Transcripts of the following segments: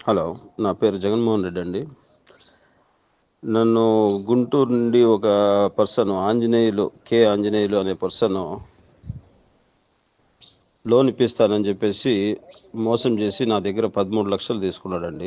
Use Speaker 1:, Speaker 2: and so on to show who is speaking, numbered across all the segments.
Speaker 1: Hello, నా పేరు జగన్మోహన్ రెడ్డి అండి. నన్ను గుంటూరు నుండి ఒక పర్సన్ ఆంజనేయులు అనే పర్సన్ లోన్ ఇప్పిస్తానని చెప్పేసి మోసం చేసి నా దగ్గర 13 లక్షలు తీసుకున్నాడండి.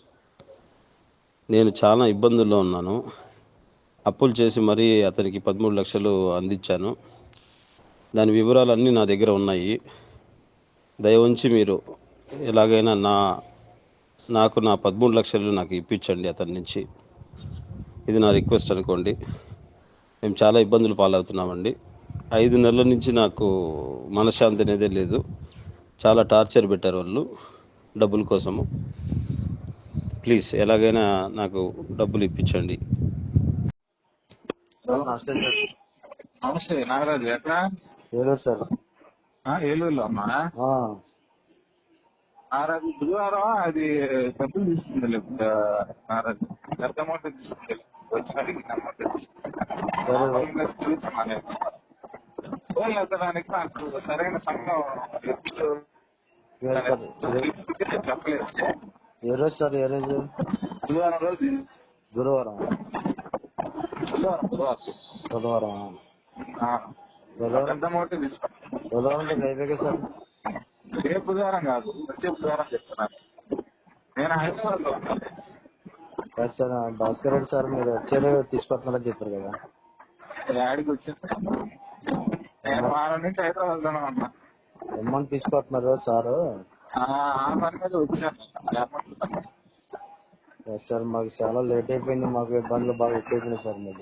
Speaker 1: నేను చాలా ఇబ్బందుల్లో ఉన్నాను. అప్పులు చేసి మరీ అతనికి 13 లక్షలు అందించాను. దాని వివరాలన్నీ నా దగ్గర ఉన్నాయి. దయ ఉంచి మీరు ఎలాగైనా నాకు నా 13 లక్షలు నాకు ఇప్పించండి అతని నుంచి. ఇది నా రిక్వెస్ట్ అనుకోండి. మేము చాలా ఇబ్బందులు పాలవుతున్నామండి. 5 నెలల నుంచి నాకు మనశ్శాంతి అనేదే లేదు. చాలా టార్చర్ పెట్టారు వాళ్ళు డబ్బుల కోసము. ప్లీజ్ ఎలాగైనా నాకు డబ్బులు ఇప్పించండి.
Speaker 2: నమస్తే సార్.
Speaker 3: నమస్తే నాగరాజు. ఎక్కడ?
Speaker 2: ఏలూరు సార్.
Speaker 3: ఏలూరులో అమ్మా. నాగరాజు బుధవారం అది డబ్బులు తీసుకుంది నాగరాజు. పెద్ద అమౌంట్ తీసుకుంది. వచ్చి అడిగిన అమౌంట్ చూస్తున్నాను. ఫోన్ ఎత్తడానికి నాకు సరైన సమయం చెప్పలేదు.
Speaker 2: ఏ రోజు సార్? ఏ రోజు?
Speaker 3: బుధవారం రోజు.
Speaker 2: గురువారం. బుధవారం.
Speaker 3: పెద్ద అమౌంట్ తీసుకున్నాను.
Speaker 2: బుధవారం అయిపోయాక సార్.
Speaker 3: ఏ బుధవారం కాదు, వచ్చే బుధవారం చెప్తున్నాను. నేను హైదరాబాద్ లో ఉన్నాను
Speaker 2: సార్. భాస్కర్ రెడ్డి సార్, మీరు వచ్చేది తీసుకొస్తున్నారని చెప్పారు కదా.
Speaker 3: యాడికి వచ్చింది? నేను వారం నుంచి హైదరాబాద్ లోనే ఉన్నా.
Speaker 2: అమౌంట్ తీసుకొస్తున్నారు సారు.
Speaker 3: ఆ పని మీద వచ్చాను.
Speaker 2: సార్ మాకు చాలా లేట్ అయిపోయింది. మాకు ఇబ్బందులు బాగా ఎక్కువైపోయినాయి సార్. మీరు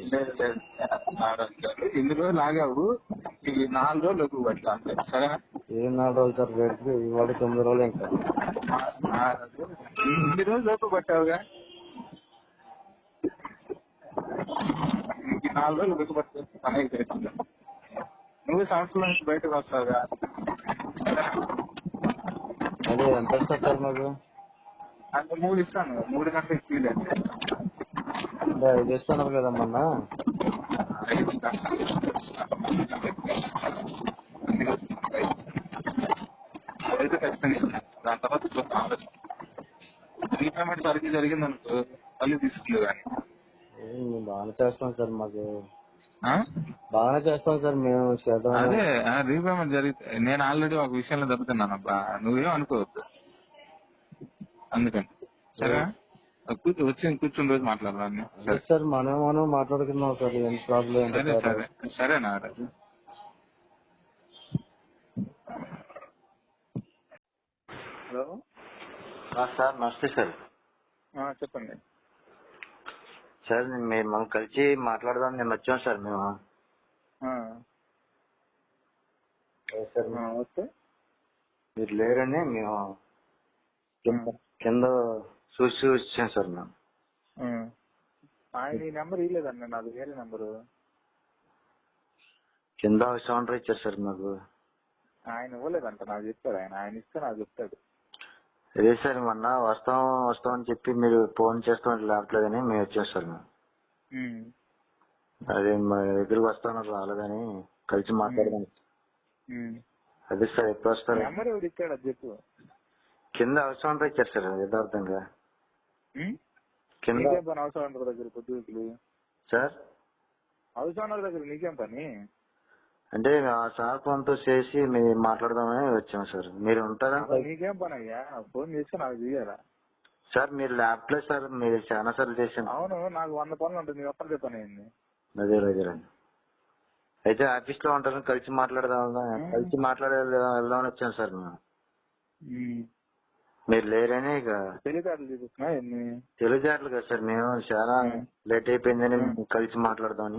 Speaker 3: ఇన్ని రోజులు ఆగావు, ఈ 4 రోజులు ఎక్కువ పట్ల అంతే. సరేనా?
Speaker 2: ఏ 4 రోజులు సార్? రేటుకి ఇవాళ 9 రోజులు. ఇంకా
Speaker 3: ఇన్ని రోజులు ఎక్కువ పట్టావుగా. ఇంక 4 రోజులు ఎక్కువ పట్టే పని అయితే నువ్వు సంవత్సరం నుంచి బయటకు వస్తావుగా.
Speaker 2: అదే ఎంత వస్తారు సార్ మాకు?
Speaker 3: అంటే 3 ఇస్తాను. 3 గంటలకు ఇవ్వలేదు.
Speaker 2: అంటే 5 ఇస్తున్నారు కదా మొన్న.
Speaker 3: అదైతే ఖచ్చితంగా ఇస్తాను. దాని తర్వాత ఆలోచన రీపేమెంట్ సరిగ్గా జరిగింది అనుకో మళ్ళీ తీసుకుంది. కానీ
Speaker 2: బాగానే చేస్తాం సార్. మాకు బాగానే చేస్తాం సార్. మేము
Speaker 3: అదే రీపేమెంట్ జరిగితే నేను ఆల్రెడీ ఒక విషయంలో దెబ్బతున్నాను అబ్బా. నువ్వేం అనుకోవద్దు. అందుకని సరేనా? కూర్చుని రోజు మాట్లాడదాన్ని.
Speaker 2: సరే సార్. మనం మాట్లాడుకున్నాం సార్. ఏం ప్రాబ్లం?
Speaker 3: సరే సరే సరేనా? Hello
Speaker 2: sir. నమస్తే సార్.
Speaker 3: చెప్పండి
Speaker 2: సార్. మేము మనం కలిసి మాట్లాడదాం నేను వచ్చాం సార్. మేము సార్
Speaker 3: వస్తే
Speaker 2: మీరు లేరని మేము కింద చూసి వచ్చాం సార్. మేము
Speaker 3: ఆయన ఈ నెంబర్ ఇవ్వలేదండి, నాది వేరే నెంబరు.
Speaker 2: కింద సౌండర్ ఇచ్చారు సార్ మాకు.
Speaker 3: ఆయన ఇవ్వలేదంట, నాకు చెప్పాడు. ఆయన ఇస్తే నాకు చెప్తాడు.
Speaker 2: అదే సార్, మొన్న వస్తామని చెప్పి మీరు ఫోన్ చేస్తామని రావట్లేదని మేము వచ్చాం సార్. మేము అదే మా దగ్గరికి వస్తామని రాలేదని కలిసి మాట్లాడదాం. అదే సార్. ఎప్పుడు వస్తారు?
Speaker 3: నెంబర్ ఎవరు ఇచ్చాడు అది చెప్పు.
Speaker 2: కింద అవసరం ఇచ్చారు సార్. యథార్థంగా కింద
Speaker 3: అవసరం దగ్గర పొద్దుకులు సార్. అవసరం దగ్గర నీకేం పని?
Speaker 2: అంటే ఆ సార్ ఫోన్ తో చేసి మీరు మాట్లాడదామని వచ్చాం సార్. మీరు ఉంటారా?
Speaker 3: నీకేం పని అయ్యా? ఫోన్ చేస్తే నాకు చేయాలా
Speaker 2: సార్? మీరు ల్యాబ్ లో సార్. మీరు చాలా సార్లు చేశాను.
Speaker 3: అవును, నాకు 100 పనులు ఉంటుంది. నీకు ఒక్కరికే పని అయింది.
Speaker 2: అదే అయితే ఆఫీస్ లో ఉంటారని కలిసి వెళ్దామని వచ్చాను సార్. మేము మీరు లేరని ఇక
Speaker 3: తెలివితేటలు చూపిస్తున్నా.
Speaker 2: తెలివితేటలు కదా సార్. మేము చాలా లేట్ అయిపోయిందని కలిసి మాట్లాడదామని.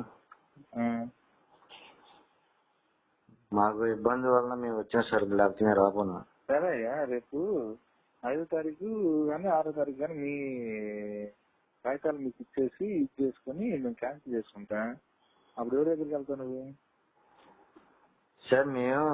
Speaker 2: మాకు ఇబ్బంది వలన మేము వచ్చాం సార్. లేకపోతే మేము రాబోనా.
Speaker 3: సరే అయ్యా, రేపు 5వ తారీఖు కానీ 6వ తారీఖు కానీ మీ కాగితాలు మీకు ఇచ్చేసి చేసుకుని మేము క్యాన్సిల్ చేసుకుంటా. అప్పుడు ఎవరి దగ్గరికి వెళ్తావు నువ్వు?
Speaker 2: సార్ మేము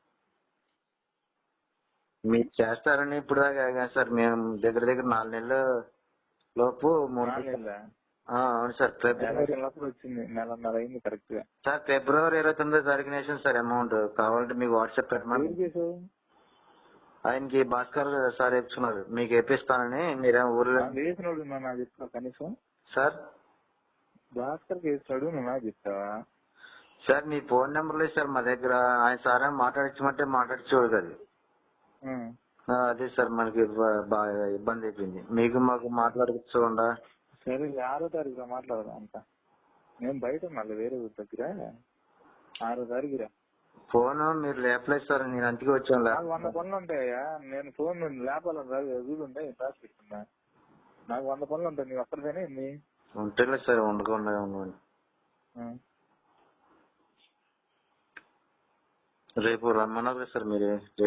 Speaker 2: మీరు చేస్తారని ఇప్పుడు దాకా సార్. మేము దగ్గర 4 నెలల లోపు అవును సార్.
Speaker 3: వచ్చింది, నెలన్నర అయింది కరెక్ట్ గా
Speaker 2: సార్. ఫిబ్రవరి 29వ తారీఖున వేసాను సార్ అమౌంట్. కావాలంటే మీకు వాట్సాప్ పెట్టమని. ఆయనకి భాస్కర్ సార్ వేపించుకున్నారు, మీకు వేపిస్తానని. మీరేం ఊర్లో
Speaker 3: వేసినోడు నువ్వు నాకు చెప్తావా కనీసం?
Speaker 2: సార్
Speaker 3: భాస్కర్ వేస్తాడు, నువ్వు నాకు చెప్తావా?
Speaker 2: సార్ మీ ఫోన్ నెంబర్ లేదు సార్ మా దగ్గర. ఆయన సార్ ఏమో మాట్లాడించమంటే మాట్లాడించేవాడు కదా. అదే సార్ మనకి బాగా ఇబ్బంది అయిపోయింది. మీకు మాకు మాట్లాడుకోకుండా.
Speaker 3: సరే 6వ తారీఖు మాట్లాడదాం అంతా. నేను బయట మళ్ళీ వేరే ఊరి దగ్గర 6వ తారీఖు రా.
Speaker 2: ఫోన్ మీరు లేపలేదు సార్, నేను అంతకే వచ్చాను.
Speaker 3: నాకు 100 పనులు ఉంటాయా? నేను ఫోన్ లేపాలని వీలు ఉంటాయి రాసి పెట్టుకున్నా. నాకు 100 పనులు ఉంటాయి, నీకు ఒక్కరిదేనే ఎన్ని
Speaker 2: ఉంటలేదు సార్. ఉండకుండా రేపు రమ్మన్నారు సార్ మీరు.